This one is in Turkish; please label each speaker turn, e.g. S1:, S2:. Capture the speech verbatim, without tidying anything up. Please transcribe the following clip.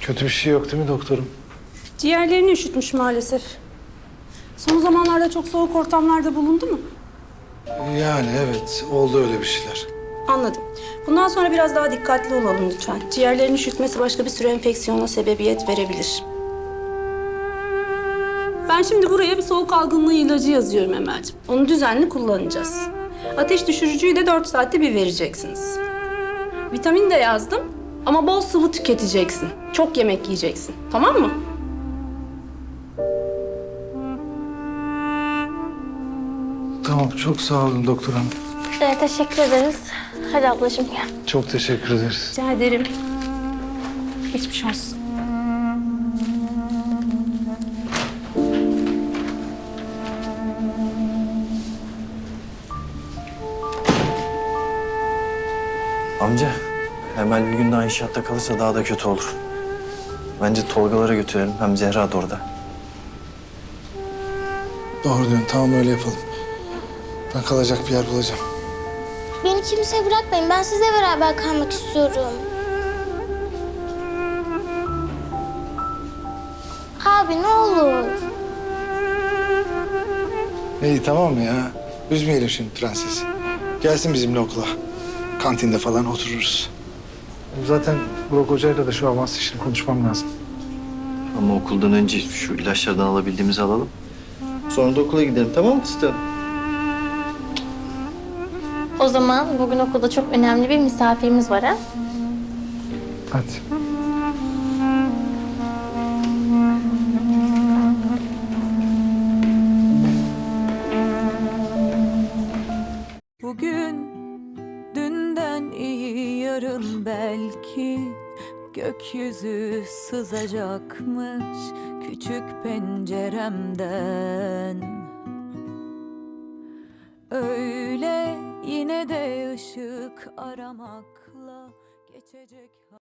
S1: Kötü bir şey yok değil mi doktorum?
S2: Ciğerlerini üşütmüş maalesef. Son zamanlarda çok soğuk ortamlarda bulundu mu?
S1: Yani evet, oldu öyle bir şeyler.
S2: Anladım. Bundan sonra biraz daha dikkatli olalım lütfen. Ciğerlerini üşütmesi başka bir sürü enfeksiyona sebebiyet verebilir. Ben şimdi buraya bir soğuk algınlığı ilacı yazıyorum Emel'ciğim. Onu düzenli kullanacağız. Ateş düşürücüyü de dört saatte bir vereceksiniz. Vitamin de yazdım ama bol sıvı tüketeceksin. Çok yemek yiyeceksin. Tamam mı?
S1: Tamam, çok sağ olun doktor hanım.
S3: Evet, teşekkür ederiz. Hadi ablacığım gel.
S1: Çok teşekkür ederiz.
S2: Rica ederim. Geçmiş olsun.
S4: Amca, Emel bir gün daha inşaatta kalırsa daha da kötü olur. Bence Tolgalara götürelim. Hem Zehra da orada.
S1: Doğru diyorsun, tamam öyle yapalım. Ben kalacak bir yer bulacağım.
S3: Beni kimseye bırakmayın. Ben sizle beraber kalmak istiyorum. Abi ne olur.
S1: İyi tamam mı ya? Üzmeyelim şimdi prensesi. Gelsin bizimle okula. Kantinde falan otururuz. Zaten Burak Hoca'yla da şu avans işini konuşmam lazım.
S4: Ama okuldan önce şu ilaçlardan alabildiğimizi alalım. Sonra da okula gidelim, tamam mı fıstığım?
S3: O zaman bugün okulda çok önemli bir misafirimiz var ha?
S1: Hadi.
S5: Bugün dünden iyi yarın belki gökyüzü sızacakmış küçük penceremden. Öyle yine de ışık aramakla geçecek.